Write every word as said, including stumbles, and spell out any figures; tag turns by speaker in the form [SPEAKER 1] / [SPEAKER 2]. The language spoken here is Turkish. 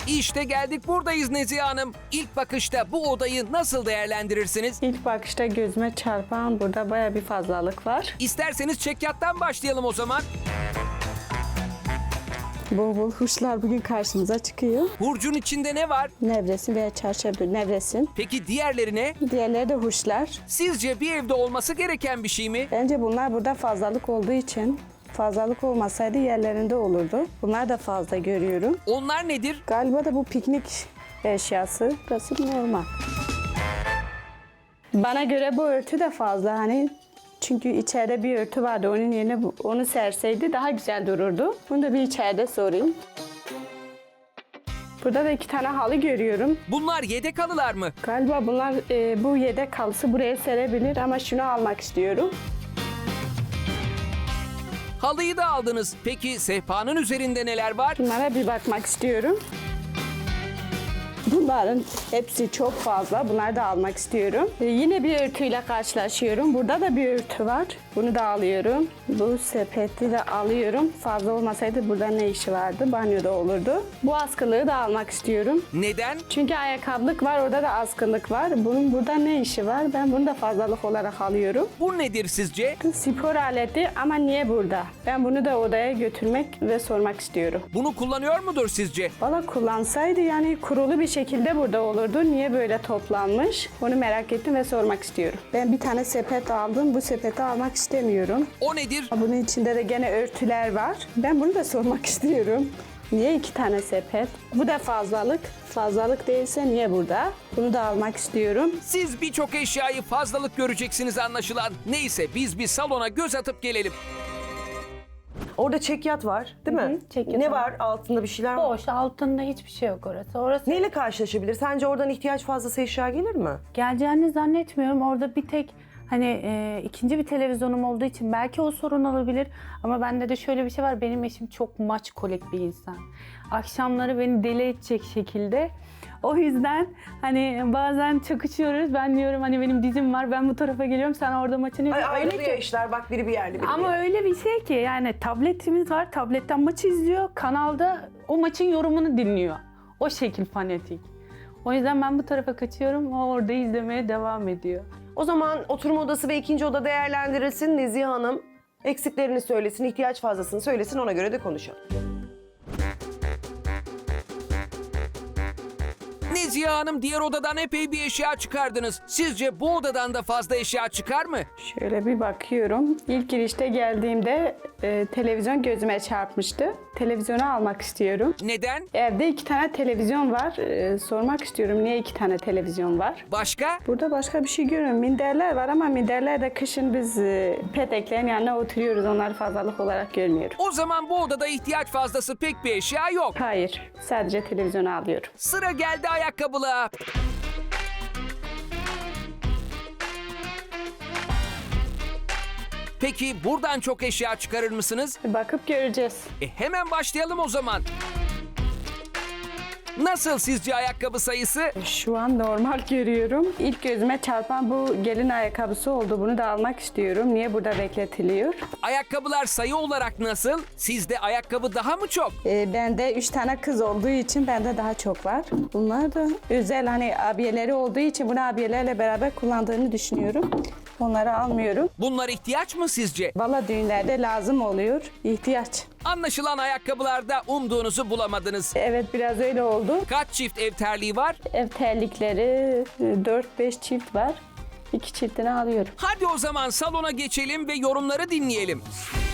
[SPEAKER 1] İşte geldik, buradayız Nezihe Hanım. İlk bakışta bu odayı nasıl değerlendirirsiniz?
[SPEAKER 2] İlk bakışta gözüme çarpan burada baya bir fazlalık var.
[SPEAKER 1] İsterseniz çekyattan başlayalım o zaman.
[SPEAKER 2] Bol bol huşlar bugün karşımıza çıkıyor.
[SPEAKER 1] Hurcun içinde ne var?
[SPEAKER 2] Nevresim veya çarşafı nevresim.
[SPEAKER 1] Peki diğerleri ne?
[SPEAKER 2] Diğerleri de huşlar.
[SPEAKER 1] Sizce bir evde olması gereken bir şey mi?
[SPEAKER 2] Bence bunlar burada fazlalık olduğu için, fazlalık olmasaydı yerlerinde olurdu. Bunlar da fazla görüyorum.
[SPEAKER 1] Onlar nedir?
[SPEAKER 2] Galiba da bu piknik eşyası. Burası normal. Bana göre bu örtü de fazla hani. Çünkü içeride bir örtü vardı. Onun yerine bu- onu serseydi daha güzel dururdu. Bunu da bir içeride sorayım. Burada da iki tane halı görüyorum.
[SPEAKER 1] Bunlar yedek halılar mı?
[SPEAKER 2] Galiba bunlar e, bu yedek halısı buraya serebilir ama şunu almak istiyorum.
[SPEAKER 1] Halıyı da aldınız. Peki sehpanın üzerinde neler var?
[SPEAKER 2] Bunlara bir bakmak istiyorum. Bunların hepsi çok fazla. Bunları da almak istiyorum. Ee, yine bir örtüyle karşılaşıyorum. Burada da bir örtü var. Bunu da alıyorum. Bu sepeti de alıyorum. Fazla olmasaydı burada ne işi vardı? Banyoda olurdu. Bu askılığı da almak istiyorum.
[SPEAKER 1] Neden?
[SPEAKER 2] Çünkü ayakkabılık var. Orada da askılık var. Bunun burada ne işi var? Ben bunu da fazlalık olarak alıyorum.
[SPEAKER 1] Bu nedir sizce?
[SPEAKER 2] Spor aleti ama niye burada? Ben bunu da odaya götürmek ve sormak istiyorum.
[SPEAKER 1] Bunu kullanıyor mudur sizce?
[SPEAKER 2] Valla kullansaydı yani kurulu bir şekilde burada olurdu. Niye böyle toplanmış? Onu merak ettim ve sormak istiyorum. Ben bir tane sepet aldım. Bu sepeti almak istemiyorum.
[SPEAKER 1] O nedir?
[SPEAKER 2] Bunun içinde de gene örtüler var. Ben bunu da sormak istiyorum. Niye iki tane sepet? Bu da fazlalık. Fazlalık değilse niye burada? Bunu da almak istiyorum.
[SPEAKER 1] Siz birçok eşyayı fazlalık göreceksiniz anlaşılan. Neyse biz bir salona göz atıp gelelim.
[SPEAKER 3] Orada çekyat var değil mi?
[SPEAKER 4] Hı hı, çekyat
[SPEAKER 3] ne
[SPEAKER 4] var.
[SPEAKER 3] var? Altında bir şeyler var.
[SPEAKER 4] Boş, altında hiçbir şey yok orası. Orası
[SPEAKER 3] Neyle karşılaşabilir? Sence oradan ihtiyaç fazlası eşya gelir mi?
[SPEAKER 4] geleceğini zannetmiyorum. Orada bir tek hani e, ikinci bir televizyonum olduğu için belki o sorun olabilir. Ama bende de şöyle bir şey var. Benim eşim çok maç kolek bir insan. Akşamları beni deli edecek şekilde. O yüzden hani bazen çakışıyoruz. Ben diyorum hani benim dizim var. Ben bu tarafa geliyorum. Sen orada maçını
[SPEAKER 3] Ay,
[SPEAKER 4] öyle
[SPEAKER 3] ayrılıyor
[SPEAKER 4] ki.
[SPEAKER 3] işler. Bak biri bir yerde biri bir
[SPEAKER 4] Ama
[SPEAKER 3] yerde.
[SPEAKER 4] öyle bir şey ki yani tabletimiz var. Tabletten maçı izliyor. Kanalda o maçın yorumunu dinliyor. O şekil fanatik. O yüzden ben bu tarafa kaçıyorum. O orada izlemeye devam ediyor.
[SPEAKER 3] O zaman oturma odası ve ikinci oda değerlendirilsin. Nezihe Hanım eksiklerini söylesin, ihtiyaç fazlasını söylesin. Ona göre de konuşalım.
[SPEAKER 1] Nezihe Hanım, diğer odadan epey bir eşya çıkardınız. Sizce bu odadan da fazla eşya çıkar mı?
[SPEAKER 2] Şöyle bir bakıyorum. İlk girişte geldiğimde e, televizyon gözüme çarpmıştı. Televizyonu almak istiyorum.
[SPEAKER 1] Neden?
[SPEAKER 2] Evde iki tane televizyon var. Ee, sormak istiyorum niye iki tane televizyon var?
[SPEAKER 1] Başka?
[SPEAKER 2] Burada başka bir şey görüyorum. Minderler var ama minderler de kışın biz e, peteklerin yanına oturuyoruz. Onları fazlalık olarak görmüyorum.
[SPEAKER 1] O zaman bu odada ihtiyaç fazlası pek bir eşya yok.
[SPEAKER 2] Hayır. Sadece televizyonu alıyorum.
[SPEAKER 1] Sıra geldi ayakkabılığa. Peki buradan çok eşya çıkarır mısınız?
[SPEAKER 2] Bakıp göreceğiz.
[SPEAKER 1] E hemen başlayalım o zaman. Nasıl sizce ayakkabı sayısı?
[SPEAKER 2] Şu an normal görüyorum. İlk gözüme çarpan bu gelin ayakkabısı oldu. Bunu da almak istiyorum. Niye burada bekletiliyor?
[SPEAKER 1] Ayakkabılar sayı olarak nasıl? Sizde ayakkabı daha mı çok?
[SPEAKER 2] Ee, bende üç tane kız olduğu için bende daha çok var. Bunlar da özel hani abiyeleri olduğu için bunu abiyelerle beraber kullandığını düşünüyorum. Onları almıyorum.
[SPEAKER 1] Bunlar ihtiyaç mı sizce?
[SPEAKER 2] Valla düğünlerde lazım oluyor. İhtiyaç.
[SPEAKER 1] Anlaşılan ayakkabılarda umduğunuzu bulamadınız.
[SPEAKER 2] Evet biraz öyle oldu.
[SPEAKER 1] Kaç çift ev terliği var?
[SPEAKER 2] Ev terlikleri dört beş çift var. İki çiftini alıyorum.
[SPEAKER 1] Hadi o zaman salona geçelim ve yorumları dinleyelim.